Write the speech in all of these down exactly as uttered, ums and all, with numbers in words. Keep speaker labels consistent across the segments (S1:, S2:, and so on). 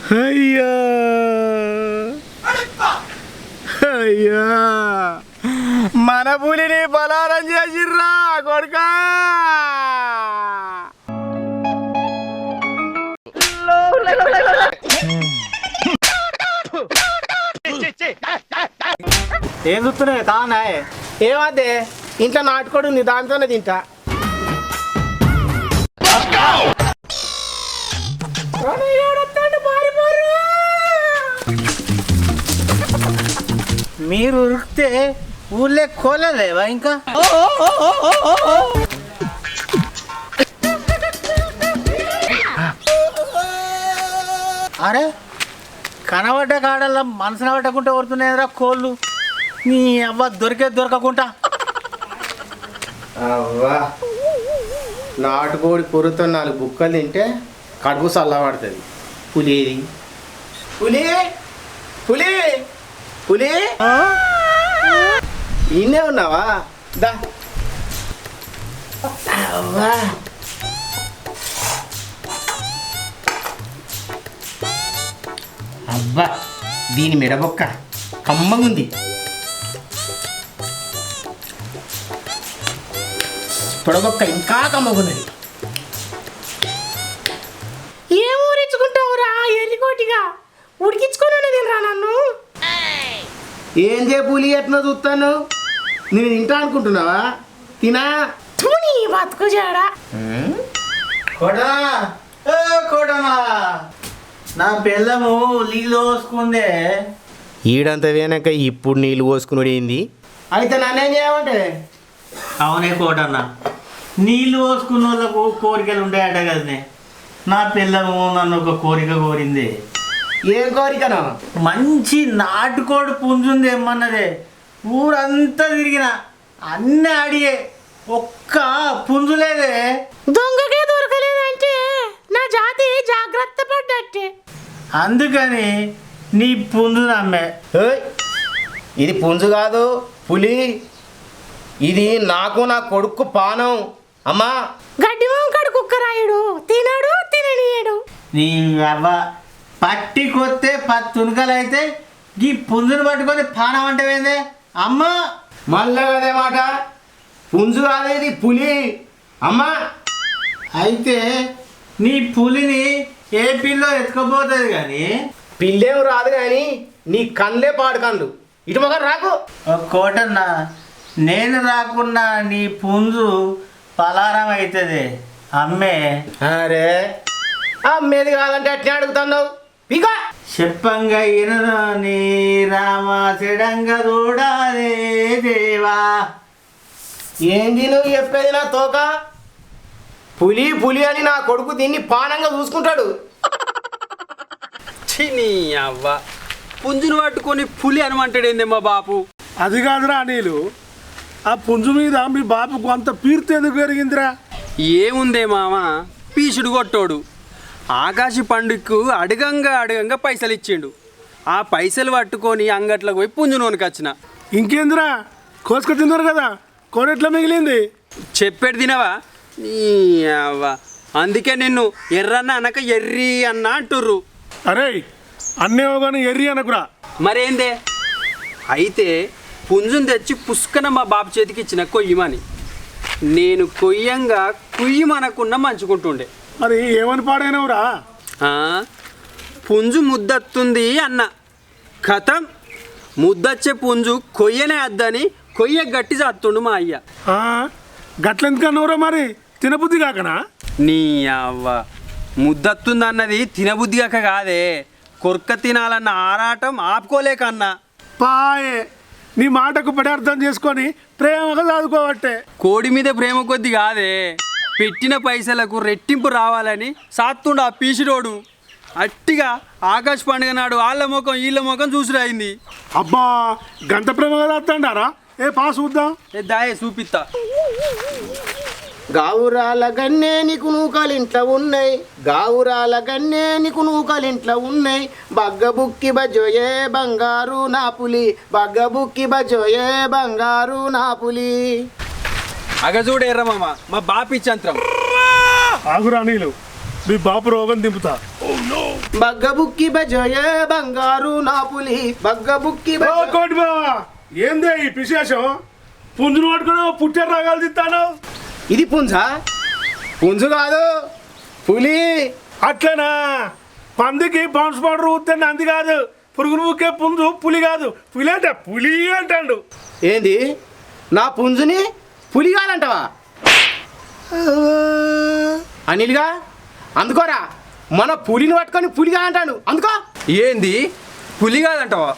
S1: అయ్యా అయ్యా మన పులిని బలారం చేసిర్రా కొడుకా.
S2: ఏం చూస్తున్నాయి తానా?
S1: ఏమదే ఇంట్లో నాటుకోడు నీ దాంతోనే తింటా.
S2: మీరు ఉరికితే ఊళ్ళో కోలేవా ఇంకా? అరే కనబడ్డ కాడల్లా మనసున పట్టకుండా కొడుతున్నాయిరా కోళ్ళు. నీ అవ్వ దొరికే దొరకకుండా.
S1: అవ్వా నాటుకోడి పొరుతో నాలుగు బుక్కలు తింటే కడుపు చల్లబడుతుంది. పులి పులి పులి పులి ఈయనే ఉన్నావా? దా అవ్వా అబ్బా దీని మెడబొక్క కమ్మగుంది. పొడగొక్క ఇంకా కమ్మగున్నది.
S3: ఏం ఊరించుకుంటావురా ఎల్లికోటిగా? ఉడికించుకొని తినరా నన్ను?
S1: ఏం చే పులి ఎట్లా చూస్తాను? నేను తింటా అనుకుంటున్నావా? తినా
S3: నీ బతుకు జాడా.
S2: కొడనా ఏ కొడనా, నా పిల్లము నీళ్ళు పోసుకుందే.
S1: ఈడంత వేనక ఇప్పుడు నీళ్ళు పోసుకున్నాడు ఏంది? అయితే నన్నేం చేయమంటే?
S2: అవునే కోటన్న, నీళ్ళు పోసుకున్న వాళ్ళకు కోరికలు ఉంటాయట కదనే. నా పిల్లము నన్ను ఒక కోరిక కోరింది.
S1: ఏం కోరికనా?
S2: మంచి నాటుకోడి పుంజుంది ఏమన్నదే. ఊరంతా తిరిగిన అన్నీ అడిగే ఒక్క పుంజు లేదే.
S3: దొంగకే దొరకలేదంటే నా జాతి జాగ్రత్త పడ్డట్టే.
S2: అందుకని నీ పుంజు నమ్మే.
S1: ఏయ్, ఇది పుంజు కాదు పులి. ఇది నాకు నా కొడుకు పానం. అమ్మా
S3: గడ్డి వంకడు కుక్కరాయుడు తినడు తిననీయడు.
S2: నీ అవ్వ పట్టి కొత్తే పది తునకలు అయితే ఈ పుంజును పట్టుకొని పానం అంటే ఏందే అమ్మ?
S1: మళ్ళీ అదే మాట. పుంజు కాదు ఇది పులి. అమ్మా
S2: అయితే నీ పులిని ఏ పిల్లో ఎత్తుకపోతుంది కానీ
S1: పిల్లేం రాదు కానీ నీ కళ్ళే పాడు కళ్ళు. ఇటు మొగ రాకు.
S2: కోటన్న, నేను రాకున్నా నీ పుంజు పలారం అవుతుంది అమ్మే.
S1: అరే అమ్మేది కాదంటే అట్నే అడుగుతున్నావు. ఇక
S2: చెప్పంగా ఇనను నీ రామ చెడంగా చూడాలే దేవా.
S1: ఏంది నువ్వు చెప్పేది? నా తోక పులి పులి అని నా కొడుకు దీన్ని పానంగా చూసుకుంటాడు.
S4: నీ అవ్వ పుంజును పట్టుకొని పులి అనమంటాడేందే మా బాపు?
S5: అది కాదురా నీళ్ళు, ఆ పుంజు మీద మీ బాపుకు అంత పీర్తి ఎందుకు పెరిగిందిరా?
S4: ఏముందే మామ, పీసుడు కొట్టోడు. ఆకాశ పండుగకు అడగంగా అడగంగా పైసలు ఇచ్చిండు. ఆ పైసలు పట్టుకొని అంగట్లకు పోయి పుంజును కొనుకొచ్చిన.
S5: ఇంకేందిరా, కోసుకు తిన్నారు కదా, కొనెట్లా మిగిలింది?
S4: చెప్పేది తినవా? నీ అవ్వ అందుకే నిన్ను ఎర్రన్న అనక ఎర్రి అన్న అంటుర్రు.
S5: అరే అన్నేమో కానీ ఎర్రి అనకురా.
S4: మరేందే? అయితే పుంజును తెచ్చి పుష్కన మా బాబు చేతికి ఇచ్చిన కొయ్యమని. నేను కొయ్యంగా కుయ్యమనకున్న మంచుకుంటుండే.
S5: మరి ఏమని పాడైనవురా?
S4: ఆ, పుంజు ముద్దత్తుంది అన్న. కథం ముద్దచ్చే పుంజు కొయ్యనే అద్దని కొయ్య గట్టి చేస్తుండు మా అయ్య.
S5: గట్లెందుకన్నావురా? మరి తినబుద్ధి కాకనా?
S4: నీ అవ్వ ముద్దత్తుంది అన్నది తినబుద్ధి కాక కాదే, కొర్క తినాలన్న ఆరాటం ఆపుకోలేకన్నా.
S5: పాయే నీ మాటకు పడి అర్థం చేసుకొని ప్రేమగా చదువుకోవట్టే.
S4: కోడి మీద ప్రేమ కొద్ది కాదే, పెట్టిన పైసలకు రెట్టింపు రావాలని సాత్తుండు ఆ పీసిరోడు. అట్టిగా ఆకాశ పండుగ నాడు వాళ్ళ ముఖం వీళ్ళ ముఖం చూసిరాయింది.
S5: అబ్బా గంట ప్రేమగా చదువుతాడారా? ఏ పా చూద్దాం.
S4: ఏ దాయే చూపిస్తా.
S1: గావురాల గన్నే నీకు నూకలింట్లో ఉన్నాయి, గావురాల గన్నే నీకు నూకలింట్లో ఉన్నాయి, బగ్గబుక్కి బజోయే బంగారు నా పులి, బగ్గబుక్కి బజోయే బంగారు నా పులి.
S4: అగ చూడు ఎర్రమామ, మా బాపిచ్చంత్రం.
S5: ఆగురా నీళ్ళు, మీ బాపు రోగం దింపుతా.
S1: బగ్గ బుక్కి బజోయే బంగారు నా పులి బగ్గ బుక్కి
S5: ఓ కోటి బావా, ఏందే ఈ విశేషం? పుంజును పట్టుకుని పుట్టారు రాగాలు తిత్తాను.
S1: ఇది పుంజా? పుంజు కాదు, పులి.
S5: అట్లనా? పందికి బౌన్స్ పౌడర్ ఊతే అంది కాదు, పురుగును ఊకే పుంజు పులి కాదు. పులి అంటే పులి అంటాడు.
S1: ఏంది నా పుంజుని పులి కాదంటవా? అనిల్గా అందుకోరా, మన పులిని పట్టుకొని పులిగా అంటాడు. అందుకో.
S4: ఏంది పులి కాదంటావా?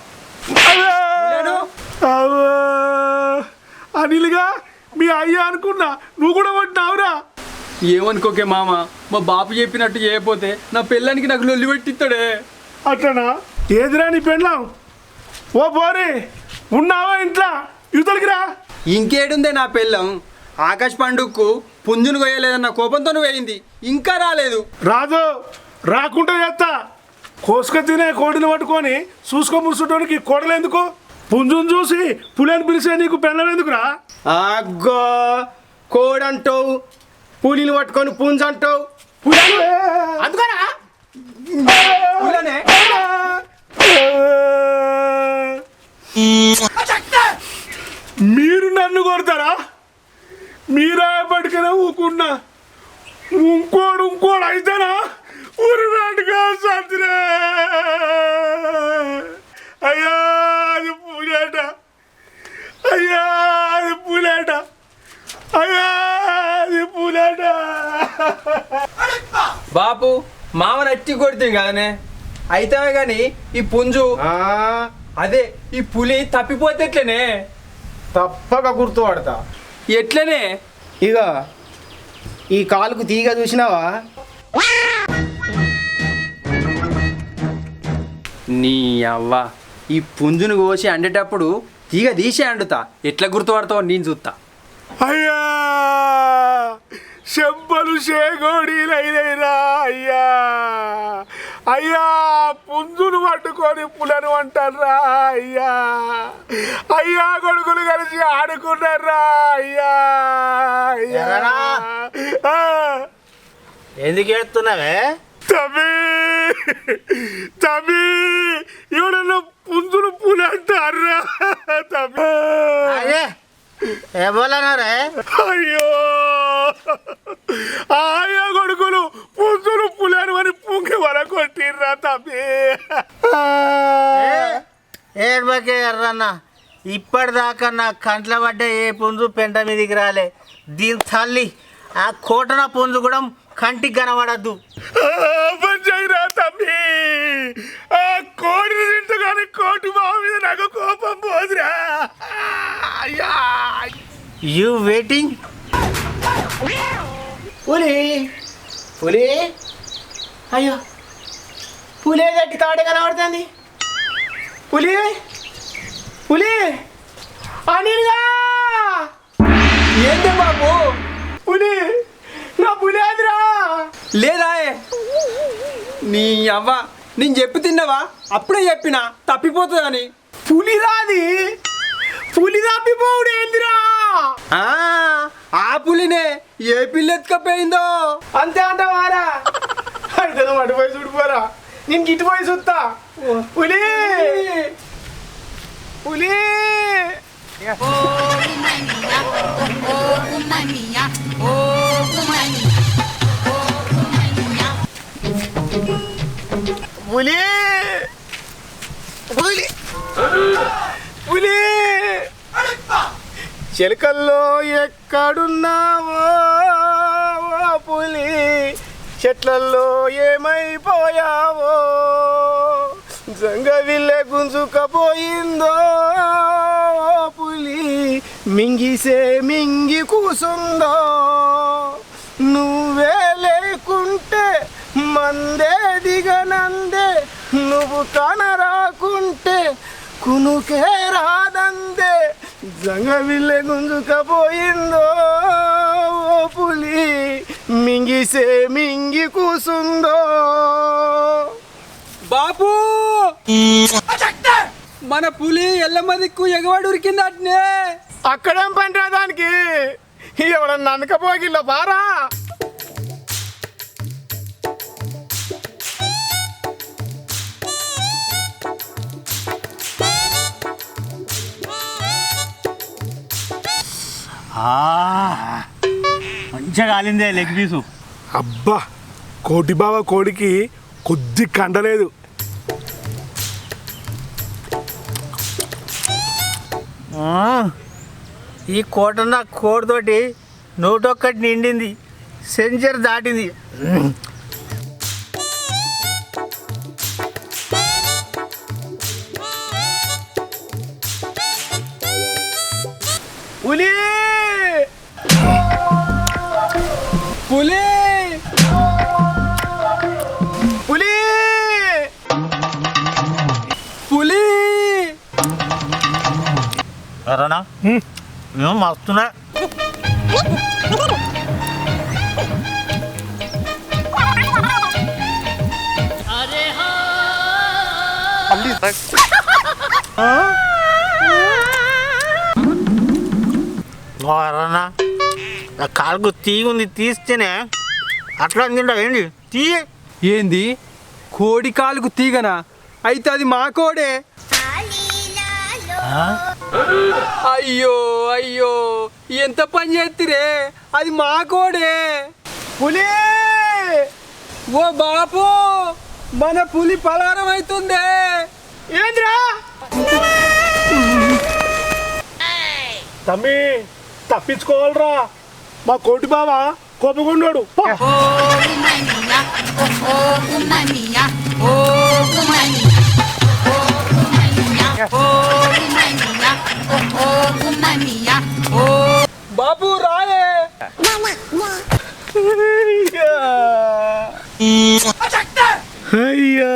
S5: అనిల్గా మీ అయ్యా అనుకున్నా, నువ్వు కూడా కొట్టినావురా.
S4: ఏమనుకోకే మామ, మా బాపు చెప్పినట్టు చేయకపోతే నా పిల్లానికి నాకు లొల్లి పెట్టిస్తాడే.
S5: అట్లనా? ఏదిరా నీ పెళ్ళాం? ఓ పోరి, ఉన్నావా ఇంట్లో? యువతలకి రా.
S4: ఇంకేడుందే నా పిల్లం? ఆకాశ్ పండుగకు పుంజును కొయ్యలేదన్న కోపంతో వేయింది, ఇంకా రాలేదు.
S5: రాదు, రాకుండా చేస్తా. కోసుక తినే కోడిని పట్టుకొని చూసుకో ముసుటోనికి కోడలు ఎందుకు? పుంజును చూసి పులిని పిలిచే నీకు పెళ్ళం ఎందుకురా?
S1: అగ్గో, కోడంటావు, పులిని పట్టుకొని పుంజు అంటావు. పులి అందుకోరా.
S4: పులనే?
S5: మీరు నన్ను కొడతారా? మీరా పట్టుకునే ఊకున్నా. ఇంకోడు ఇంకోడు అయితేనా ఊరునాటుగా సత్రే. అయ్యా అది పూలేట, అయ్యా అది పూలేట, అయ్యా అది పూలేట.
S4: బాపు మామ నట్టి కొడితే కదనే అయితే గాని ఈ పుంజు
S1: ఆ,
S4: అదే ఈ పులి తప్పిపోతే ఎట్లనే?
S1: తప్పక గుర్తుపడతా.
S4: ఎట్లనే?
S1: ఇక ఈ కాలుకు తీగ చూసినావా?
S4: నీ అవ్వ, ఈ పుంజును కోసి అండేటప్పుడు తీగ తీసే అండుతా, ఎట్లా గుర్తుపడతావు నేను చూస్తా.
S5: అయ్యా చెంపలు షేగోడీలైనరా అయ్యా. అయ్యా పుంజును పట్టుకొని పులను అంటారా అయ్యా. అయ్యా కొడుకులు కలిసి ఆడుకున్నారా అయ్యా.
S2: ఎర్రనా?
S5: ఆ,
S2: ఎందుకు ఏడుతున్నావే?
S5: తమ్మి తమ్మి, ఎవడన్నా పుంజును పులి అంటారా తమ్మి?
S2: అదే ఏ బోలన్నారే?
S5: అయ్యో ఆయా కొడుకులు పుంజులు పులేరు అని పుంగి వరకొట్టిర్రా తమ్మి.
S2: ఏడ్బకే ఎర్రన్న, ఇప్పటిదాకా నా కంట్ల పడ్డ ఏ పుంజు పెంట మీదికి రాలే. దీని తల్లి ఆ కోటన పుంజు కూడా కంటికి కనబడద్దు.
S5: పంచైరా తమ్మి, ఆ కోడిని తింటూ కానీ కోటి బావ మీద నాకు కోపం పోదురా. అయ్యా
S2: యూ వెయిటింగ్?
S1: పులి పులి అయ్యో, పులి గట్టి తాడే కనబడుతుంది. పులి పులి అనిల్గా,
S4: ఏంటి బాబు?
S1: పులి నా పులి అదిరా.
S4: లేదా నీ అవ్వ, నేను చెప్పి తిన్నావా? అప్పుడే చెప్పినా తప్పిపోతుందని.
S1: పులి రాది, పులి తప్పిపోవుడు ఏందిరా?
S4: ఆ, ఆ పులినే ఏ పిల్ల ఎత్తుకపోయిందో.
S1: అంతే అంటావారా? అయితే నువ్వు అటు పోయి చూడిపోరా, నేను గిట్టు పోయి చూస్తా. పులి పులి పులి పులి పులి చిలకల్లో ఎక్కడున్నావో ఓ పులి, చెట్లల్లో ఏమైపోయావో, జంగవిల్లె గుంజుకపోయిందో ఓ పులి, మింగిసే మింగి కూసుందో. నువ్వే లేకుంటే మందే దిగనందే, నువ్వు కనరాకుంటే కునుకే రాదందే, జంగవిల్లె గుంజుకపోయిందో ఓ పులి, మింగిసే మింగి కూసుందో.
S4: బాపు, మన పులి ఎల్లమ్మ దిక్కు ఎగవాడు ఉరికింది అట్నే.
S1: అక్కడేం పని రా దానికి? ఎవడన్నా అనకపోగిల్లో బారా.
S2: మంచిగా కాలిందే లెగ్ పీసు.
S5: అబ్బా కోటి బావ కోడికి కొద్ది కండలేదు.
S2: ఈ కోటన్న కోడితోటి నూటొక్కటి నిండింది, సెంచర్ దాటింది.
S5: పులి
S4: పులి
S1: పులి
S4: పులి
S2: ఎర్రనా మేము మస్తున్నా. ఎర్రనా కాలుకు తీగుంది, తీస్తేనే అట్లా తింటా ఏంటి తీయ.
S4: ఏంది కోడి కాలుకు తీగనా? అయితే అది మా కోడే. అయ్యో అయ్యో ఎంత పని చేతిరే, అది మా కోడే. పులి ఓ బాపు, మన పులి పలారం అవుతుందే.
S1: ఏంద్రా
S5: తమ్మి తప్పించుకోవాలరా, మా కోటి బావ కోపగుండాడు.
S4: బాపు రాయే.
S1: అయ్యా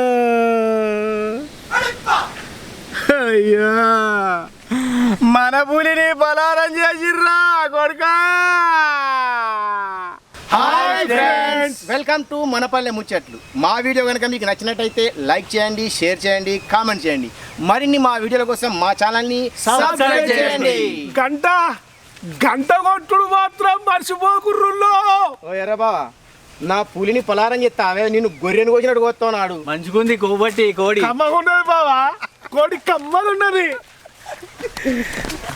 S1: అయ్యా మన పులిని బలారం చేసిర్రా కొడుకా. Hi friends, welcome to Manapalle Muchatlu. మా వీడియో కనుక మీకు నచ్చినట్టయితే లైక్ చేయండి, షేర్ చేయండి, కామెంట్ చేయండి. మరిన్ని మా వీడియోల కోసం మా ఛానల్ని సబ్స్క్రైబ్ చేయండి.
S5: గంట గంట కొట్టుడు మాత్రం మర్చిపోకుర్రుల్లో.
S1: ఓ ఎర్రబా, నా పులిని పలారం చేస్తావే, నేను గొర్రెను కోసినట్టు కోస్తున్నాడు.
S2: మంచిగుంది కొవ్వట్టి కోడి.
S5: కమ్మగున్నది బావా, కోడి కమ్మగున్నది.